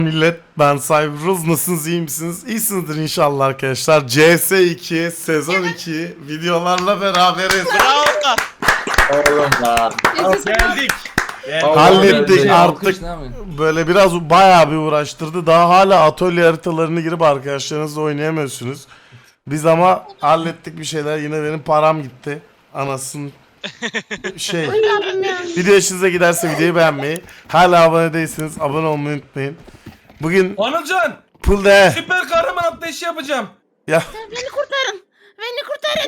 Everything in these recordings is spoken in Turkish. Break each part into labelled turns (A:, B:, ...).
A: Millet, ben Cyberuz, nasılsınız, iyi misiniz? İyisinizdir inşallah arkadaşlar. CS2 sezon 2 videolarla beraberiz.
B: Bravo.
C: Oğlum da.
B: Geldik.
A: Hallettik
C: Geldi.
A: artık. Böyle biraz bayağı bir uğraştırdı. Daha hala atölye haritalarını girip arkadaşlarınızla oynayamıyorsunuz. Biz ama hallettik bir şeyler. Yine benim param gitti. Anasının Video hoşunuza giderse videoyu beğenmeyi, hala abone değilseniz abone olmayı unutmayın. Bugün
B: Anılcan,
A: pool de
B: süper kahraman atlayışı yapacağım.
A: ya
D: Beni kurtarın. Beni kurtarın.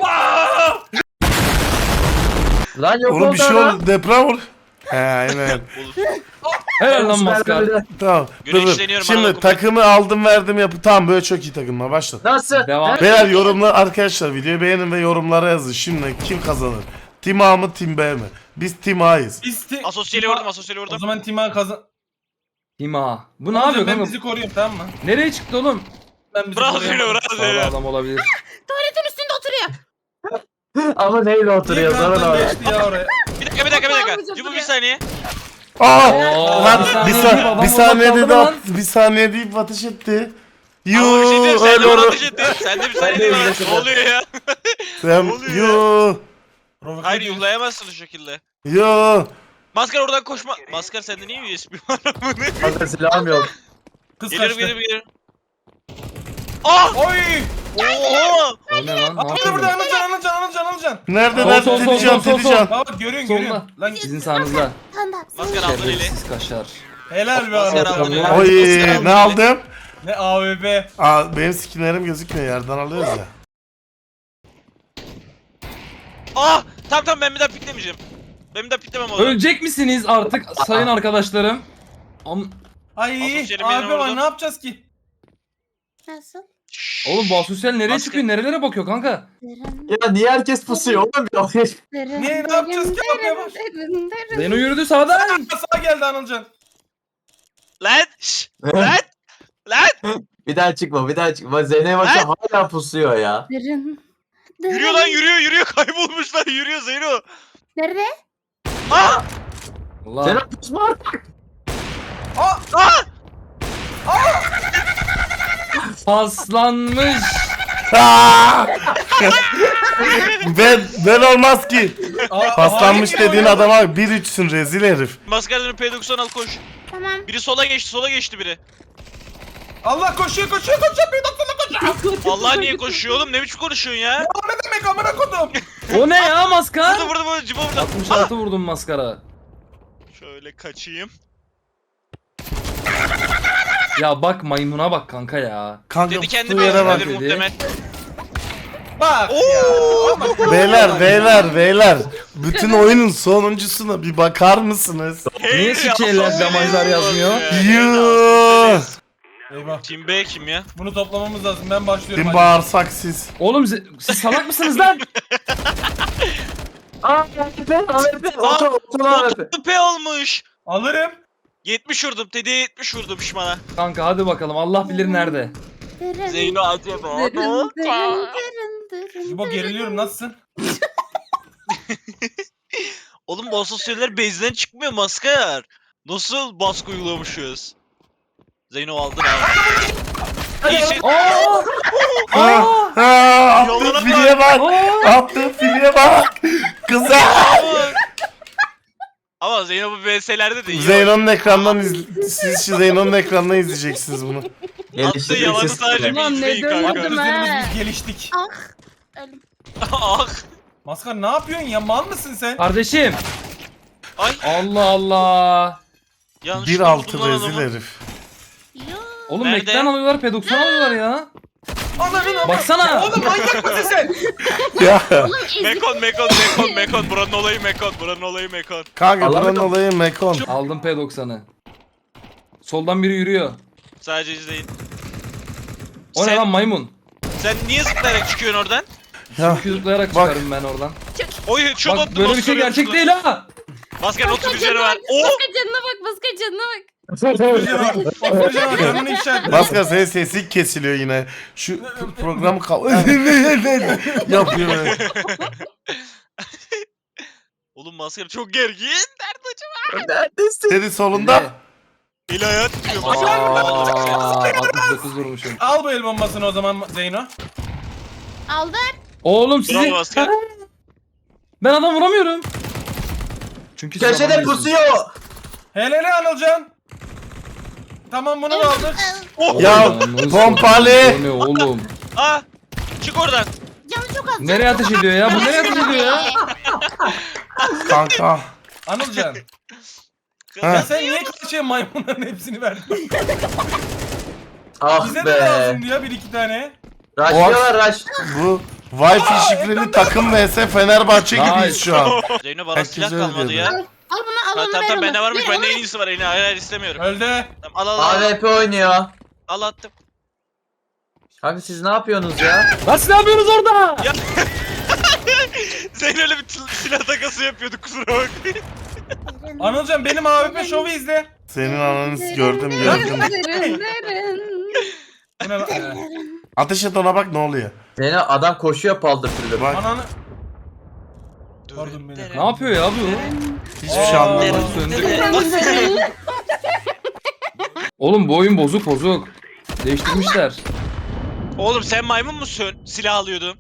C: Lan yok
A: oğlum bir şey
C: lan.
A: oldu, deprem oldu. He aynen.
E: Helal lan maskar.
A: Tamam. Dur, dur.
B: Güneşleniyorum
A: Şimdi
B: ana
A: takımı aldım verdim yapı. Tamam, böyle çok iyi takımla başla.
C: Nasıl?
E: Devam.
A: Beyler yorumlar arkadaşlar, videoyu beğenin ve yorumlara yazın. Şimdi kim kazanır? Team A mı Team B mi? Biz Team A'yız.
B: Asosyali vurdum, asosyali
F: O
B: vurdum.
F: zaman Tima kazan...
E: Tima. Bu ne
F: Anılcan,
E: yapıyor
F: ben
E: kanka?
F: bizi koruyorum, tamam mı?
E: Nereye çıktı oğlum?
F: Ben bizi
B: Bravo
F: koruyorum.
B: Zeyno, bravo
E: Sağlı
B: Zeyno.
E: adam olabilir.
D: Tuvaletin üstünde oturuyor.
C: Ama neyle
F: Niye
C: oturuyor sonra
F: kanattan
C: oraya?
F: geçti ya oraya?
B: Bir dakika. Cubu bir saniye.
A: Aa!
E: Oo,
A: Lan
E: bir saniye
A: bir
E: deyip
A: saniye
E: adam
A: dedi,
E: orada kaldı
A: bir saniye deyip ateş etti.
B: Ama bir şey diyeyim, sen
A: Öyle
B: de bana
A: olur.
B: ateş ettin. Sen de bir saniye değil mi? Ne oluyor ya?
A: Sen
B: oluyor
A: yo
F: Provoke
B: Hayır,
F: ediyoruz.
B: yollayamazsın o şekilde.
A: yo.
B: Maskar oradan koşma. Maskar sende niye USB var?
C: Kanka silahım yok.
F: Kız
B: Gelirim
F: kaçtı.
B: gelirim. Ah!
F: Oy!
B: Oha!
E: O ne lan? Ne
F: Burada burada
E: yapıyor?
F: Anılcan.
A: Nerede
E: Sol,
A: lan?
E: sol, sol,
A: Tedicam,
E: sol, sol,
A: Tedicam.
F: Bak görüyorsun
E: Solda.
F: görüyorsun. Lan
E: Sizin sağınızda.
D: Tanda.
B: Maskar aldın eli.
E: Şerefsiz kaşar.
F: helal be
B: Maskar
F: Anılcan.
B: aldın eli.
A: Oy,
B: Maskar aldın
A: ne
B: eli.
A: aldım?
F: Ne AVB.
A: Aa, benim skinlerim gözükmüyor, yerden alıyoruz ya.
B: Ah! Tamam ben bir daha piklemeyeceğim. Ben bir daha piklemem oğlum.
E: Ölecek misiniz artık sayın arkadaşlarım?
F: Ay
B: Asosyali
F: AVB
B: beni
F: var,
B: vurdu.
F: ne yapacağız ki?
D: Nasıl?
E: Oğlum bu asosyal nereye
B: Maske-
E: çıkıyor? Nerelere bakıyor kanka?
D: Derin,
C: Ya niye herkes pusuyor oğlum?
D: derin,
F: Ne yapacağız ki abi ya?
D: derin, derin.
E: Zeyno yürüdü sağdan.
F: Sağa geldi Anılcan.
B: Lan! Şşş! Lan! Lan!
C: Bir daha çıkma. Zeynep Başa hala pusuyor ya.
D: Derin.
B: Yürüyor lan, yürüyor. Kaybolmuş lan, yürüyor Zeyno.
D: Nerede?
B: Ah!
E: Allah.
C: Zeynep pusma artık.
B: Ah!
E: Paslanmış.
A: Aa! ben olmaz ki. Paslanmış
F: Hayır,
A: dediğin
F: ya.
A: adama 1-3'sün, rezil herif.
B: Maskarların P90 al koş.
D: Tamam.
B: Biri sola geçti biri.
F: Allah koşuyor. Bir doktorla koşuyor.
B: Allah niye koşuyor oğlum? Ne biçim konuşuyorsun ya?
F: O ne demek amına kodum?
E: O ne ya maskar?
B: Burada cibo burada.
E: 66 vurdum maskara.
B: Şöyle kaçayım.
E: Ya bak maymuna bak kanka ya.
A: Kanka
B: Dedi
A: tuttuğu
B: kendime
A: yere bak.
B: öldürür
E: dedi.
B: muhtemel.
F: Bak
B: Oo!
A: Beyler. Bütün oyunun sonuncusuna bir bakar mısınız?
E: Niye sikeller damajlar yazmıyor?
A: Yuuu.
F: Eyvah.
B: Team B kim ya?
F: Bunu toplamamız lazım. Ben başlıyorum.
A: Kim
F: hadi.
A: bağırsak siz.
E: Oğlum siz salak mısınız lan?
C: AVP. Oto AVP.
B: P olmuş.
F: Alırım.
B: 70 vurdum. Tedi'ye 70 vurdum şişmana.
E: Kanka hadi bakalım Allah bilir nerede.
D: Derin.
B: Zeyno acaba.
D: Derin, derin.
F: Jibo geriliyorum, nasılsın?
B: Oğlum bu asosyaller base'den çıkmıyor maskar. Nasıl baskı uygulamışız? Zeyno aldın abi. İyi şey.
A: Attığın
B: Yoluna
A: filiye bak. Attığın filiye bak. Kızım.
B: Ama Zeyno bu VS'lerde de iyi.
A: Zeyno'nun ekrandan siz şu Zeyno'nun ekrandan izleyeceksiniz bunu.
B: Attığı yalanı sadece bir
D: Ulan ne
B: izleyin kanka.
D: döndüm
F: Arkadaşlarımız
D: ha.
F: biz geliştik.
D: Ah. Ölüm.
B: Ah.
F: Maskar ne yapıyorsun ya? Mal mısın sen?
E: Kardeşim.
B: Ay.
E: Allah Allah.
B: Yanlışlıkla
A: 1-6
B: vurdum lan
A: rezil
B: adamı.
A: herif.
D: Yo.
E: Oğlum
B: Nerede?
E: Mac'den alıyorlar P90 alıyorlar ya.
F: Ananı
E: Baksana.
F: Oğlum manyak mısın sen?
A: Ya
B: Mekon. Buranın olayı Mekon.
A: kanka buranın
C: Allah'ım.
A: olayı Mekon.
E: Aldım P90'ı. Soldan biri yürüyor.
B: Sadece izleyin.
E: O ne
B: Sen-
E: lan maymun?
B: Sen niye zıplayarak çıkıyorsun oradan?
A: Ya
E: Zıplayarak
A: bak.
E: çıkarım ben oradan.
B: Oy şu
E: Bak böyle bir şey gerçek değil ha.
B: Maskar 30 üzeri var.
D: Baska
B: Oo!
D: canına bak. Baska canına bak.
F: Hocam canını ifşa et.
A: Maskar senin sesin kesiliyor yine. Şu programı yapıyor böyle.
B: Oğlum Maskar çok gergin. Nerede acaba?
C: Neredesin?
A: Dedi solunda.
B: Eli ayağı titriyor.
E: Aa, 69 vurmuşum.
F: Al bu el bombasını o zaman Zeyno.
D: Aldım.
E: Oğlum sizi...
B: Bravo asker.
E: Ben adam vuramıyorum. Çünkü siz
C: Köşede
E: adam
C: pusuyor.
F: Helal Anılcan. Tamam bunu da aldık.
B: Oh.
A: Ya
E: Ananı
A: pompalı.
E: satayım, bu ne oğlum?
B: Aa. Çık oradan.
D: Canı çok az.
E: Nereye ateş ediyor ya? Bu nereye ateş ediyor ya?
A: Kanka.
F: Anılcan.
A: Ha.
F: Ya sen niye karşıya maymunların hepsini verdin?
C: Ah
F: Bize de
C: be.
F: lazımdı ya bir iki tane.
C: Raşlıyorlar raş.
A: Bu Wi-Fi şifreli takım vs Fenerbahçe
E: Nice.
A: gibiyiz şu an.
B: Zeyno bana
A: Herkes
B: silah
A: öyle
B: kalmadı
A: diyor.
B: ya.
D: Al bunu al
B: Tamam
D: onu
B: tamam
D: ver onu.
B: bende varmış.
D: Ver
B: Bende
D: onu.
B: en iyisi var. Hayır hayır istemiyorum.
F: Öldü.
B: Tamam, al al al.
C: AWP oynuyor.
B: Al attım.
C: Abi siz ne yapıyorsunuz ya?
E: Lan siz ne yapıyorsunuz orada?
B: Zeyno öyle bir silah takası yapıyordu kusura bakmayın.
F: Anılcan benim AWP şovu izle.
A: Senin ananı gördüm.
F: Bu ne lan?
A: Ateş et ona bak ne oluyor.
C: Seni adam koşuyor paldır küldür.
A: Bak
F: Ananı. Pardon beni.
E: Ne yapıyor ya bu?
A: hiçbir şey anlamadım.
E: Söndük. Oğlum bu oyun bozuk bozuk. Değiştirmişler.
B: Oğlum sen maymun musun? Silah alıyordum.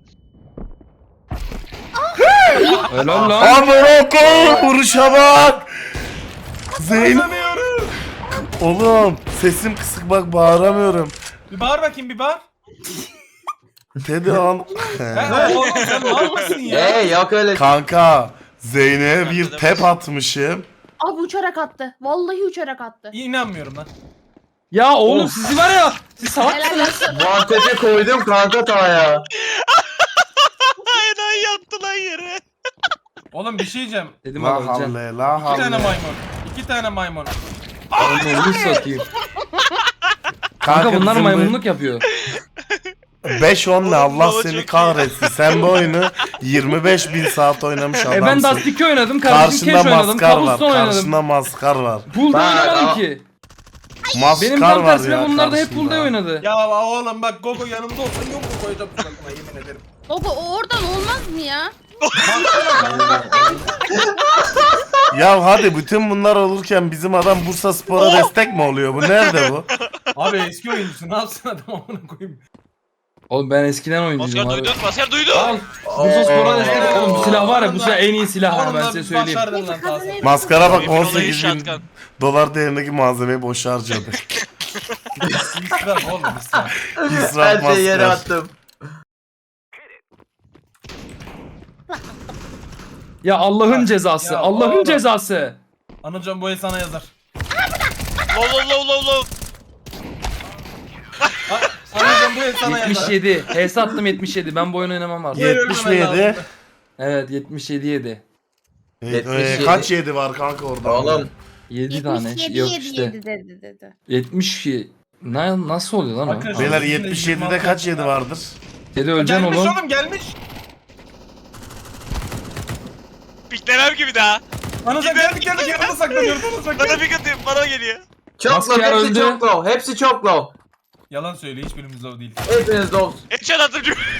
E: Helal lan.
A: Amına koyayım vuruşa bak. Zeyn. Oğlum sesim kısık bak bağıramıyorum.
F: Bir bağır bakayım bir bağır.
A: Teddy an.
F: Oğlum sen mal mısın ya?
C: Yok öyle.
A: Kanka Zeyn'e bir tep atmışım.
D: Abi uçarak attı. Vallahi uçarak attı.
F: İnanmıyorum lan.
E: Ya oğlum sizi var ya. Siz salak
D: Helal
E: mısınız?
D: olsun.
C: Muhabbeti koydum kanka tavaya.
B: Aynen yattı lan yere.
F: Oğlum bir şey diyeceğim.
E: Dedim
A: La
E: abi öleceğim.
A: havle la
F: 2 tane
A: havle.
F: maymun. 2 tane maymun.
E: Onu satayım. Kanka bunlar
A: bizim
E: maymunluk yapıyor.
A: 5-10 ne Allah
B: Oğlum,
A: seni
B: çok
A: kahretsin. Sen bu oyunu 25.000 saat oynamış adamsın.
E: Ben Dust 2 oynadım. Kardeşim
A: Karşında
E: Cash oynadım.
A: maskar var.
E: Kabuston oynadım.
A: Karşında maskar var.
E: Pool'da
C: Bak,
E: oynamadım
C: ama-
E: ki.
A: Maskar
E: Benim tam
A: var
E: tersine
A: ya
E: bunlar da hep
A: karşında.
E: pool'da oynadı.
F: Ya oğlum bak Gogo yanımda olsa yok mu koyacağım suratına yemin ederim.
D: Gogo o oradan olmaz mı ya?
A: Ya hadi bütün bunlar olurken bizim adam Bursa Spor'a destek mi oluyor? Bu nerede bu?
F: Abi eski oyuncusu ne yapsın adam amına koyayım.
E: Oğlum ben eskiden oyuncuyum
B: Masker
E: abi.
B: duydun. Masker duydun.
E: Al. Bursa Spor'a destek. Oğlum bu silah var ya bu silah en iyi silah ha, ben
F: Onunla
E: size söyleyeyim.
F: başardın lan Tahsin.
A: Maskara bak
B: Emin olayı
A: 18 bin
B: shotgun.
A: dolar değerindeki malzemeyi boşa harcadı.
F: İsraf oğlum israf.
A: İsraf
C: Her şeyi yere
A: maskar.
C: attım.
E: Ya Allah'ın cezası.
F: Ya
E: Allah'ın
F: oğlum.
E: cezası.
F: Anılcan bu el sana yazar.
B: Low.
F: Anılcan bu el sana yazar.
E: 77. HS attım 77. Ben bu oyunu oynamam artık.
A: 70 mi yedi?
E: Evet 77 yedi.
C: 77.
A: Kaç yedi var kanka orada?
C: Oğlum
E: 7 tane.
D: 77
E: Yok
D: 7
E: işte.
D: 7 dedi.
E: 70 nasıl oluyor lan o?
F: Arkadaşlar-
A: Beyler
F: Bizim de
A: 77'de kaç yedi vardır?
E: 7 öleceksin
F: Gelmiş
E: oğlum.
F: oğlum gelmiş.
B: Piklemem gibi daha.
F: Anılcan geldik yanına saklanıyoruz yanına
B: Bana
F: saklanıyoruz.
B: pik atayım. Bana geliyor.
C: çok
E: Maskar
C: low, hepsi
E: öldü.
C: çok low, hepsi çok low.
F: Yalan söyle hiçbirimiz low değil.
C: Hepiniz low.
B: Headshot attım.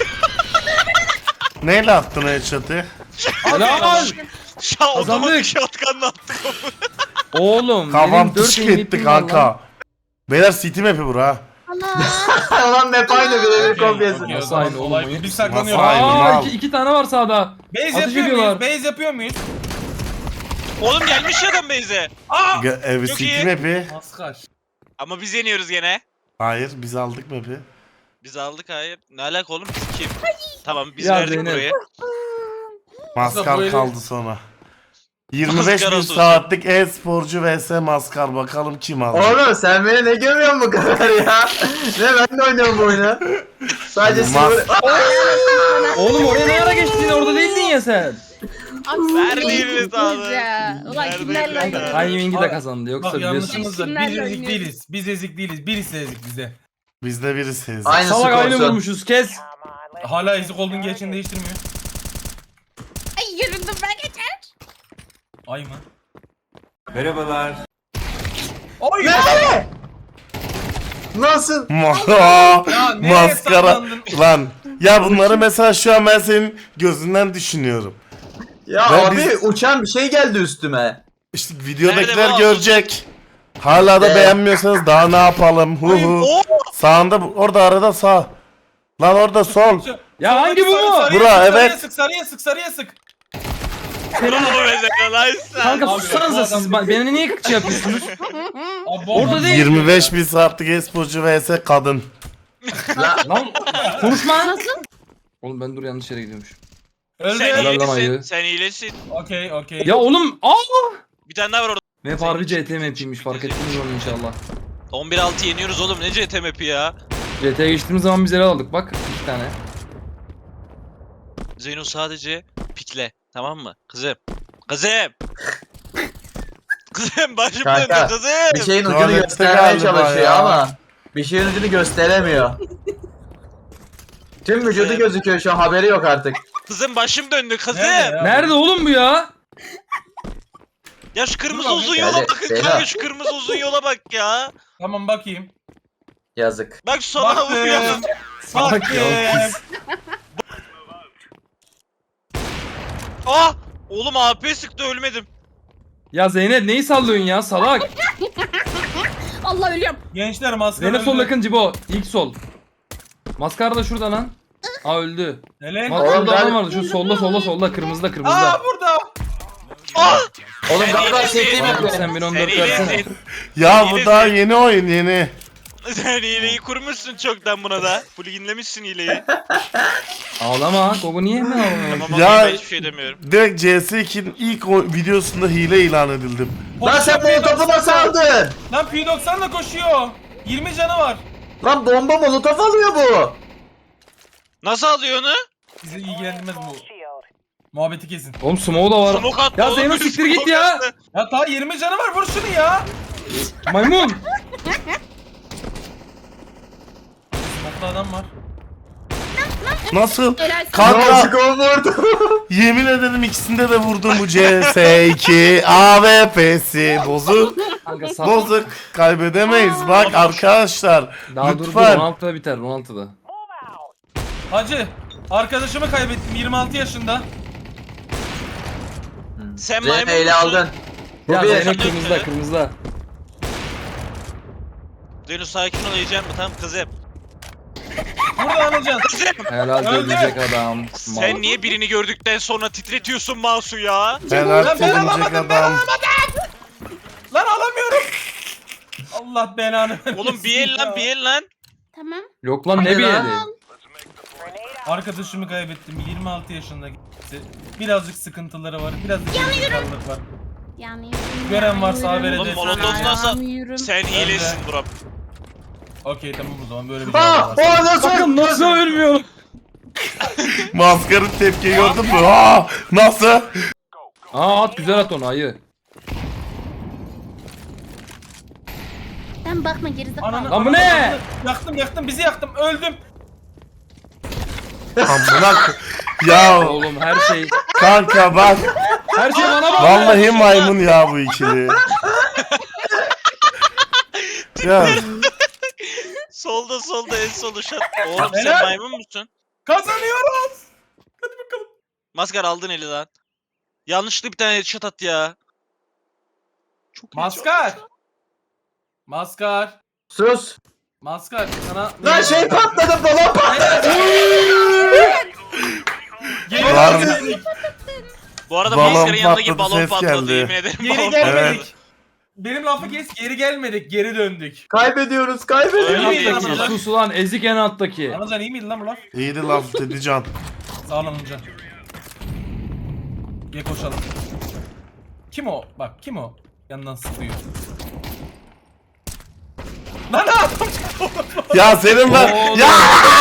A: Neyle attın headshot'ı?
E: Helal.
B: Otomatik shotgun'la attım.
E: Oğlum
A: Kafam
E: benim 4
A: tışık etti kanka. Beyler City map'i bura.
D: Allah.
C: Ulan map aynı birebir kopyası.
F: Okey,
E: Nasıl aynı
F: olay-
E: oğlum
F: olay-
E: oyun?
F: Biz saklanıyoruz.
A: Nasıl aynı?
E: Aa
A: mal.
E: iki tane var sağda.
F: Base
E: Ateş
F: yapıyor
E: ediyorlar.
F: muyuz? Base yapıyor muyuz?
B: Oğlum gelmiş ya adam base'e.
A: Evi
B: Çok
A: City
B: iyi.
A: map'i.
F: Maskar.
B: Ama biz yeniyoruz gene.
A: Hayır biz aldık map'i.
B: Biz aldık hayır. Ne alaka oğlum biz kim? Tamam biz
E: Ya
B: verdik
E: Zeynep.
B: burayı.
A: Maskar
F: böyle-
A: kaldı sonra. 25
B: Maskar
A: bin
B: olsun.
A: saatlik e-sporcu vs Maskar bakalım kim aldı.
C: Oğlum sen beni ne görüyorsun bu kadar ya? Ne ben de oynuyorum bu oyunu. Sadece
A: Mas-
C: sıfır...
E: Oğlum oraya ne ara geçtin? Orada değildin ya sen.
B: Verdiğimiz abi.
D: Ulan
B: Verdiğimiz
D: kimlerle
B: abi.
D: oynuyorsun?
E: Timing'i de kazandı yoksa
F: Bak
E: biliyorsun.
F: yanlışımız var.
D: Kimlerle
F: Biz ezik
D: oynuyoruz?
F: değiliz. Biz ezik değiliz. Birisi ezik bize.
A: Bizde biri sezdi.
C: Aynı
E: Salak aynı
C: skorsun.
E: vurmuşuz kes.
F: Hala ezik olduğun gerçeğini değiştirmiyor.
D: Ay yürüdüm ben geçer.
F: Ay mı?
G: Merhabalar.
F: Oy!
C: Ne? Nasıl?
F: Ya nereye
A: Maskara.
F: saklandın?
A: Lan. Ya bunları mesela şu an ben senin gözünden düşünüyorum.
C: Ya
A: Ben
C: abi
A: biz-
C: uçan bir şey geldi üstüme.
A: İşte videodakiler
B: Nerede bu?
A: görecek. Hala da beğenmiyorsanız daha ne yapalım? Hu hu.
B: Oo!
A: Sağında orada arada sağ. Lan orada sol.
E: Ya hangi bu?
A: Bura, evet.
F: Sarıya sık, sarıya sık, sarıya sık.
B: Bravo be Zeyno, nice.
E: Kanka
F: Abi,
E: sussanıza
F: bu
E: siz.
F: adam-
E: Beni niye şey yapıyorsunuz?
F: Abi,
E: Orada değil.
A: 25 bin saatlik esporcu vs kadın.
E: Lan konuşma.
D: Nasıl?
E: Oğlum ben dur yanlış yere gidiyormuş.
F: Öldü.
B: Sen
E: Helal lan
B: iyilesin.
E: ayı.
B: Sen iyilesin.
F: Okey, okey.
E: Ya oğlum
B: Bir tane daha var orada.
E: Map harbi CT map'iymiş fark ettiniz onu inşallah.
B: 11-6 yeniyoruz oğlum, ne CT map'i ya.
E: CT'ye geçtiğimiz zaman biz ele aldık bak 2 tane.
B: Zeyno sadece pikle, tamam mı? Kızım. Kızım. Kızım başım döndü
C: Kanka,
B: kızım.
C: Bir şeyin ucunu
A: Tuvalette
C: göstermeye
A: galiba
C: çalışıyor
A: ya.
C: ama bir şeyin ucunu gösteremiyor. Tüm vücudu gözüküyor şu an, haberi yok artık.
B: Kızım başım döndü kızım.
F: Nerede ya?
E: Nerede oğlum bu ya?
B: Ya şu kırmızı
F: Dur lan,
B: uzun
C: yani
B: yola bakın
C: Zeyno.
B: kanka, şu kırmızı uzun yola bak ya.
F: Tamam bakayım.
C: Yazık.
B: Bak sola vuruyor.
E: Salak ya.
B: Ah! Oğlum AP sıktı, ölmedim.
E: Ya Zeynep neyi sallıyorsun ya salak?
D: Allah ölüyorum.
F: Gençler maskara
E: Zeynep sol
F: öldü.
E: yakın Cibo. İlk sol. Maskara da şurada lan. Aa öldü.
F: Helal.
E: Bak
C: Oğlum
E: şurada
C: ben-
E: adam vardı. Şu solda kırmızıda kırmızıda.
F: Aa burada.
B: Ah!
C: Oğlum
B: Sen
C: galiba
B: iyilesin.
C: çektiğim
E: Abi
C: yapıyor.
E: sen beni 14
B: Sen
E: versene.
B: iyilesin.
A: Ya
B: İyilesin.
A: bu daha yeni oyun yeni.
B: Sen hileyi kurmuşsun çoktan buna da. Pluginlemişsin hileyi.
E: Ağlama. Gogo niye hemen ağlamıyor?
B: Tamam
A: Ya-
B: ya. Ben hiçbir şey demiyorum.
A: Direkt CS2'nin ilk videosunda hile ilan edildim.
C: Lan sen bunu topu nasıl aldın?
F: Lan P90 da koşuyor. 20 canı var.
C: Lan bomba molotof alıyor bu.
B: Nasıl alıyor onu?
F: Bizi ilgilendirmez bu. Muhabbeti kesin.
E: Oğlum smoke da var.
B: Smoke attı
E: Ya
B: oğlum,
E: Zeyno
B: biri
E: siktir git
B: smoke
E: ya.
B: attı.
F: Ya ta 20 canı var, vur şunu ya.
E: Maymun.
F: Smoke'da adam var.
A: Nasıl?
D: Helal
A: Kanka
C: Nasıl vurdu?
A: yemin ederim ikisinde de vurdum bu CS2 AWP'si bozuk.
E: Kanka sal.
A: Bozuk kaybedemeyiz bak arkadaşlar.
E: Daha dur
A: Lütfen.
E: 16'da biter 16'da.
F: Hacı, arkadaşımı kaybettim 26 yaşında.
B: Sen
C: Zeynep
B: maymun
C: ele
B: musun?
C: aldın. Bu
E: Ya
C: bir.
E: Zeynep kırmızıda.
B: Zeyno sakin ol, yiyeceğim mi? Tamam kızım.
F: Burada anacan.
E: Helal
F: Öldü.
E: diyecek adam.
B: Sen niye birini gördükten sonra titretiyorsun Masu ya?
A: Ben
F: Ben
A: artık örümcek
F: alamadım, ben
A: adam.
F: Lan alamıyorum. Allah belanı vermesin
B: Oğlum bir el lan,
F: ya.
B: bir el lan.
D: Tamam.
E: Yok lan ne
C: Hadi
E: bir
C: lan.
E: yeri.
F: Arkadaşımı kaybettim 26 yaşında. Birazcık sıkıntıları var, birazcık gerizekalılık var.
D: Yanıyorum.
F: Gören varsa haber
B: Oğlum
F: edersin.
B: molotof nasıl?
D: Yanıyorum.
B: Sen hilesin Burak.
F: Okey tamam o zaman böyle bir şey
C: Aa,
F: var.
C: o nasıl?
E: Bakın nasıl ölmüyor.
A: Maskarın tepki gördün mü? Aa, nasıl?
E: Aa at güzel at onu ayı.
D: Sen bakma gerizekalı.
F: Ananı,
E: Lan bu ne?
F: Yaktım, bizi yaktım, öldüm.
A: Amına ya
E: Oğlum her şey.
A: kanka bak.
E: Her şey bana bak.
A: Vallahi maymun ya bu ikili. Ya
B: Solda en solu şat. Oğlum sen
F: Helal.
B: maymun musun?
F: Kazanıyoruz.
B: Maskar aldın eli lan. Yanlışlıkla bir tane headshot at ya. Çok
F: Maskar.
C: Sus.
F: Maskar sana...
C: Lan şey patladı, balon patladı.
F: Geri
A: Var mı?
F: gelmedik.
B: Bu arada
A: Balon
B: Maskar'ın yanındaki
A: patladı,
B: balon
A: ses
B: patladı
A: geldi.
B: yemin ederim.
F: Geri
B: Balon
F: gelmedik.
A: Evet.
F: Benim lafı kes, geri gelmedik, geri döndük.
C: Kaybediyoruz,
B: Öyle
C: kaybediyoruz.
B: değil.
E: Alttaki sus ulan ezik en alttaki.
F: Anacan iyi miydi lan bu laf?
A: iyiydi laf dedi can.
F: Sağ ol Anacan. Gel koşalım. Kim o? Bak kim o? Yandan sıkıyor. Lan adam
A: Ya senin ben
E: Oğlum.
A: ya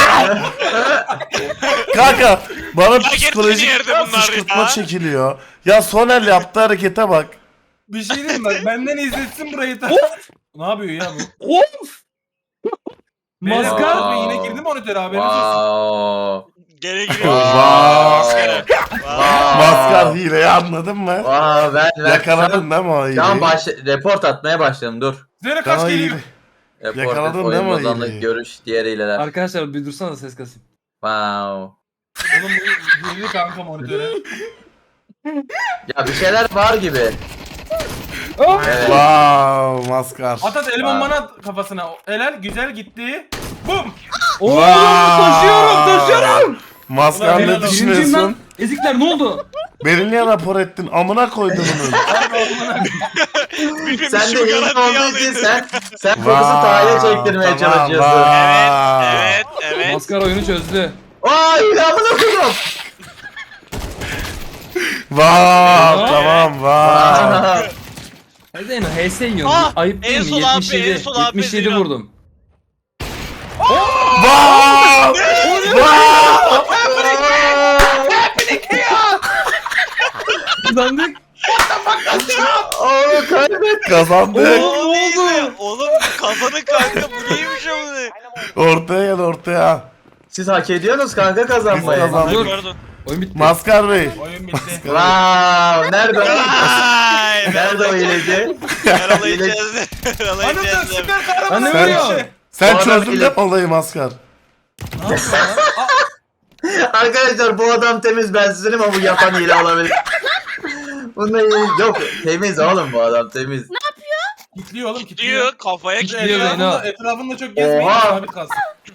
A: kanka bana
B: gerçekten
A: psikolojik
B: yerde bunlar
A: fışkırtma
B: ya.
A: çekiliyor. Ya Soner yaptığı harekete bak.
F: bir şey diyeyim mi? Benden izletsin burayı da. Ne yapıyor ya bu?
E: Of.
F: Beyler,
E: Maskar.
F: Murat Bey yine girdi monitöre haberiniz olsun.
C: Wow.
B: Geri giriyor.
A: Vay.
B: Maskar'a.
A: Maskar hileyi anladın mı?
C: Wow, ben
A: Yakaladın değil mi o hileyi?
C: Tamam report atmaya başladım, dur.
F: Zöre kaç
A: Tamam,
F: geliyor?
A: hile.
C: Report,
A: Yakaladın
C: oyun
A: değil mi o
C: bozanlık,
A: hileyi?
C: görüş, diğer hileler.
E: Arkadaşlar bir dursana ses kasayım.
C: Wow.
F: Oğlum bu girdi kanka monitöre.
C: Ya bir şeyler var gibi. Evet.
A: Wow maskar.
F: At el bombanı at kafasına. Helal güzel gitti. Bum.
E: Oo,
A: Vay.
E: taşıyorum.
A: Maskar
F: Ulan
A: ne
F: helal olsun.
E: Birinciyim lan.
A: düşünüyorsun?
E: Ezikler ne oldu?
A: Beni niye rapor ettin? Amına koydum bunu.
B: Birimiz
C: Sen de
B: şu
C: ilk
B: garantiyi
C: olduğu için
B: alıyorduk.
C: sen fokusu Taha'ya çektirmeye çalışıyorsun.
B: Evet, evet.
E: Maskar oyunu çözdü.
C: Ay amına koydum.
A: Wow tamam wow.
E: Hadi Zeyno HS yiyorsun.
B: Ah,
E: Ayıp değil
B: en
E: mi?
B: sol AP,
E: 77,
B: en sol AP
E: 77
B: Zeyno.
E: vurdum.
A: Wow! Wow!
E: Kazandık.
C: Oğlum kaybet.
A: Kazandık.
B: Oğlum neyse. Oğlum kazanın kanka bu neymiş amına.
A: Ortaya gel ortaya.
C: Siz hak ediyorsunuz kanka kazanmayı.
A: Biz kazandık.
E: Dur.
B: Pardon.
E: Oyun bitti.
A: Maskar Bey.
F: Oyun bitti.
C: Wow, nerede o?
B: Ay,
C: Nerede o hileci?
B: Yaralayacağız.
F: Anam
B: Yaralayacağız.
F: süper kahraman.
E: Lan ne
A: Sen-
E: vuruyor?
A: Sen
C: Bu adam
A: çözdün
C: ile-
A: de olayı Maskar.
F: Ne yapıyor lan?
C: Arkadaşlar bu adam temiz ben sizin ama bu yapan hile olabilir. Bunda hile yok. Temiz oğlum bu adam temiz.
F: Kitliyor oğlum kitliyor.
B: Diyor kafaya
E: Kitliyor
B: kilitliyor.
E: beni.
F: Etrafında çok gezmeyin
C: Oha.
F: sabit kalsın.